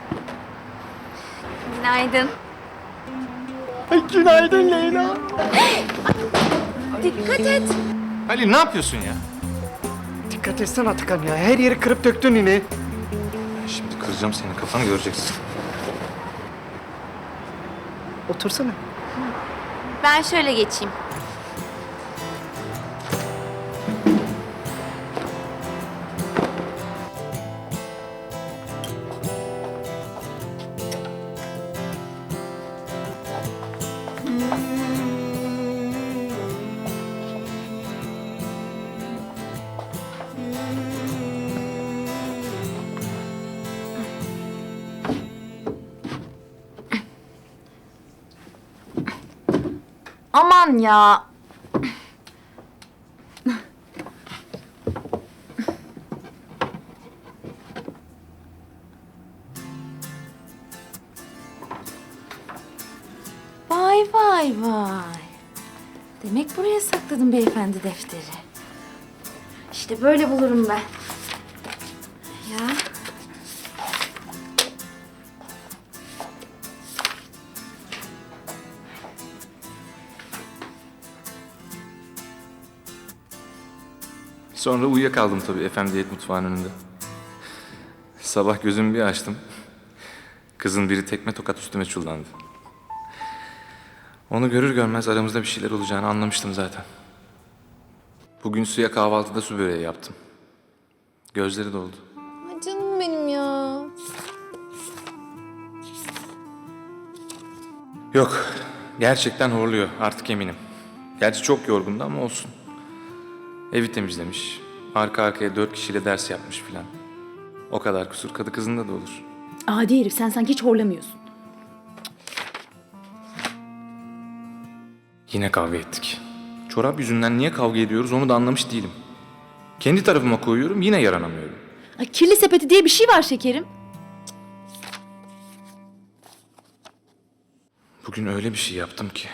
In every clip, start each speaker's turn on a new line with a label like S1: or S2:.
S1: Günaydın.
S2: Günaydın Leyla.
S1: Dikkat et.
S3: Halil ne yapıyorsun ya?
S2: Dikkat etsene Atakan ya. Her yeri kırıp döktün yine.
S3: Şimdi kıracağım senin kafanı göreceksin.
S2: Otursana.
S1: Ben şöyle geçeyim. Aman ya. Vay vay vay. Demek buraya sakladın beyefendi defteri. İşte böyle bulurum ben. Ya.
S3: Sonra uyuyakaldım tabii Efendiyet mutfağının önünde. Sabah gözümü bir açtım. Kızın biri tekme tokat üstüme çullandı. Onu görür görmez aramızda bir şeyler olacağını anlamıştım zaten. Bugün Su'ya kahvaltıda su böreği yaptım. Gözleri doldu.
S1: Ay canım benim ya.
S3: Yok, gerçekten horluyor artık eminim. Gerçi çok yorgundu ama olsun. Evi temizlemiş, arka arkaya 4 kişiyle ders yapmış filan. O kadar kusur kadı kızında da olur.
S4: Adi herif, sen sanki hiç horlamıyorsun.
S3: Yine kavga ettik. Çorap yüzünden niye kavga ediyoruz onu da anlamış değilim. Kendi tarafıma koyuyorum yine yaranamıyorum.
S4: Ay, kirli sepeti diye bir şey var şekerim.
S3: Bugün öyle bir şey yaptım ki.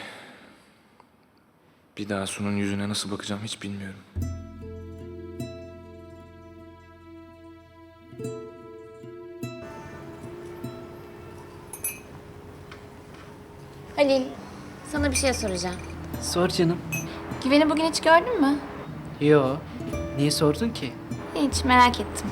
S3: Bir daha Su'nun yüzüne nasıl bakacağım hiç bilmiyorum.
S1: Halil, sana bir şey soracağım.
S2: Sor canım.
S1: Güven'i bugün hiç gördün mü?
S2: Yo. Niye sordun ki?
S1: Hiç, merak ettim.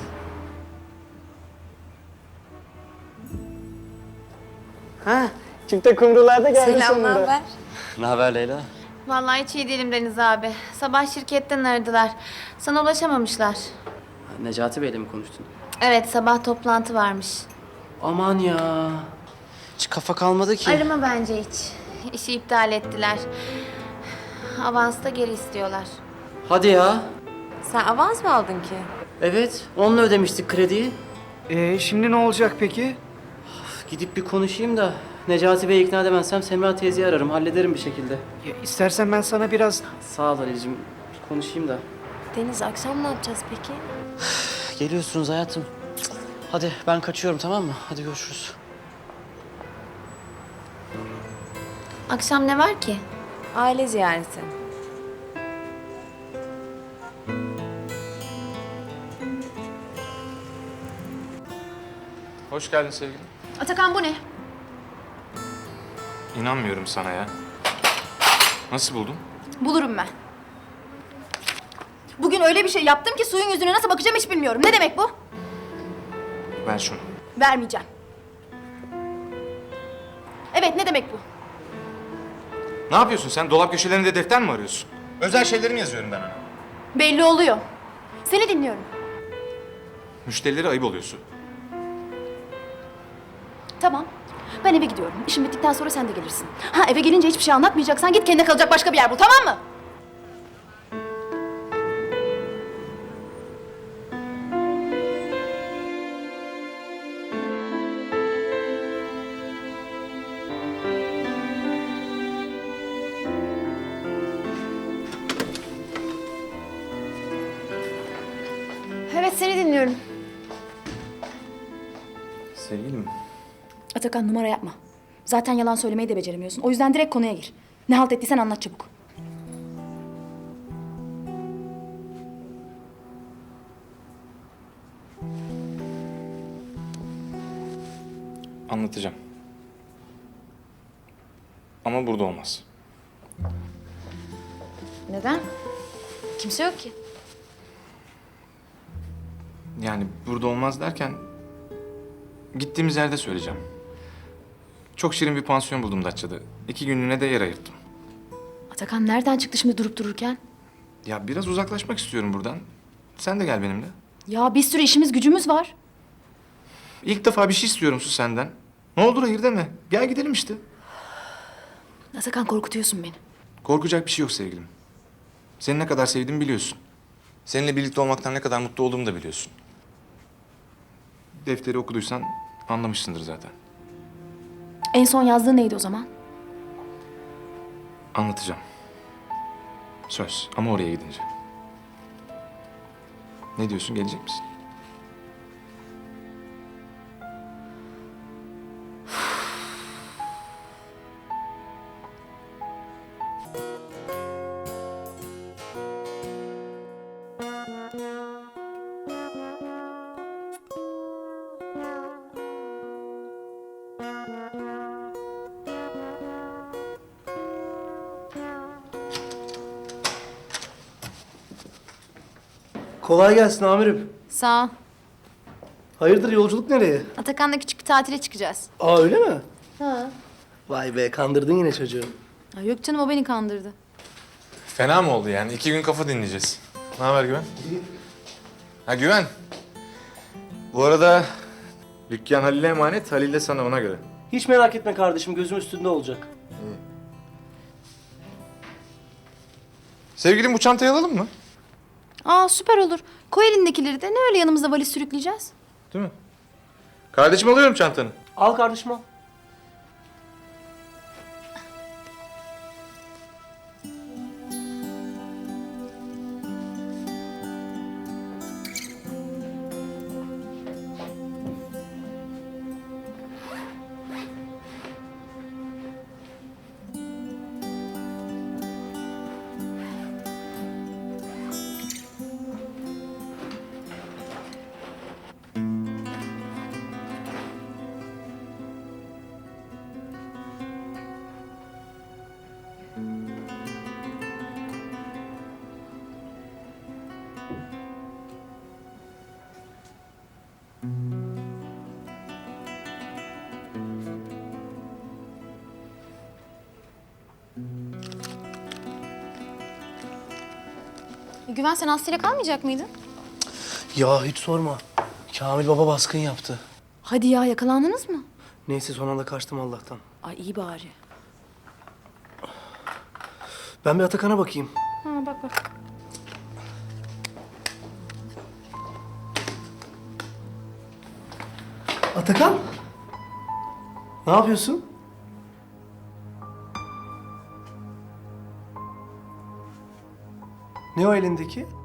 S2: Ha, çifte kumrular da geldi
S1: Selam,
S2: sonunda.
S1: naber?
S5: Ne haber Leyla?
S1: Vallahi hiç iyi değilim Deniz abi. Sabah şirketten aradılar. Sana ulaşamamışlar.
S5: Necati Bey'le mi konuştun?
S1: Evet, sabah toplantı varmış.
S5: Aman ya. Hiç kafa kalmadı ki.
S1: Arama bence hiç. İşi iptal ettiler. Avans da geri istiyorlar.
S5: Hadi ya.
S1: Sen avans mı aldın ki?
S5: Evet, onunla ödemiştik krediyi.
S2: Şimdi ne olacak peki?
S5: Gidip bir konuşayım da Necati Bey'i ikna edemezsem Semra teyzeyi ararım, hallederim bir şekilde.
S2: Ya, istersen ben sana biraz...
S5: Sağ ol Ali'cim, bir konuşayım da.
S1: Deniz, akşam ne yapacağız peki?
S5: Geliyorsunuz hayatım. Hadi ben kaçıyorum, tamam mı? Hadi görüşürüz.
S1: Akşam ne var ki? Aile ziyareti.
S3: Hoş geldin sevgilim.
S4: Atakan, bu ne?
S3: İnanmıyorum sana ya. Nasıl buldun?
S4: Bulurum ben. Bugün öyle bir şey yaptım ki suyun yüzüne nasıl bakacağım hiç bilmiyorum. Ne demek bu?
S3: Ver şunu.
S4: Vermeyeceğim. Evet, ne demek bu?
S3: Ne yapıyorsun sen? Dolap köşelerinde defter mi arıyorsun? Özel şeylerimi yazıyorum ben ona.
S4: Belli oluyor. Seni dinliyorum.
S3: Müşterilere ayıp oluyorsun.
S4: Tamam. Ben eve gidiyorum. İşim bittikten sonra sen de gelirsin. Ha, eve gelince hiçbir şey anlatmayacaksan git kendine kalacak başka bir yer bul, tamam mı? Evet, seni dinliyorum.
S3: Sevgilim.
S4: Atakan, numara yapma. Zaten yalan söylemeyi de beceremiyorsun. O yüzden direkt konuya gir. Ne halt ettiysen anlat çabuk.
S3: Anlatacağım. Ama burada olmaz.
S4: Neden? Kimse yok ki.
S3: Yani burada olmaz derken... Gittiğimiz yerde söyleyeceğim. Çok şirin bir pansiyon buldum Datça'da. 2 günlüğüne de yer ayırttım.
S4: Atakan nereden çıktı şimdi durup dururken?
S3: Ya biraz uzaklaşmak istiyorum buradan. Sen de gel benimle.
S4: Ya bir sürü işimiz gücümüz var.
S3: İlk defa bir şey istiyorum Su senden. Ne olur hayır deme. Gel gidelim işte.
S4: Atakan korkutuyorsun beni.
S3: Korkacak bir şey yok sevgilim. Seni ne kadar sevdiğimi biliyorsun. Seninle birlikte olmaktan ne kadar mutlu olduğumu da biliyorsun. Defteri okuduysan anlamışsındır zaten.
S4: En son yazdığı neydi o zaman?
S3: Anlatacağım. Söz ama oraya gidince. Ne diyorsun, gelecek misin?
S2: Kolay gelsin amirim.
S4: Sağ ol.
S2: Hayırdır yolculuk nereye?
S4: Atakan'la küçük bir tatile çıkacağız.
S2: Aa öyle mi?
S4: Ha.
S2: Vay be kandırdın yine çocuğu.
S4: Yok canım o beni kandırdı.
S3: Fena mı oldu yani? 2 gün kafa dinleyeceğiz. Ne haber Güven? Ha Güven. Bu arada dükkan Halil'e emanet, Halil de sana ona göre.
S5: Hiç merak etme kardeşim, gözüm üstünde olacak.
S3: Sevgilim bu çantayı alalım mı?
S4: Aa süper olur. Koy elindekileri de ne öyle yanımızda valiz sürükleyeceğiz?
S3: Değil mi? Kardeşim alıyorum çantanı.
S5: Al kardeşim al.
S4: Güven sen Aslı'yla kalmayacak mıydın?
S2: Ya hiç sorma. Kamil baba baskın yaptı.
S4: Hadi ya yakalandınız mı?
S2: Neyse son anda kaçtım Allah'tan.
S4: Ay iyi bari.
S2: Ben bir Atakan'a bakayım.
S4: Ha bak bak.
S2: Atakan? Ne yapıyorsun? Ne o elindeki?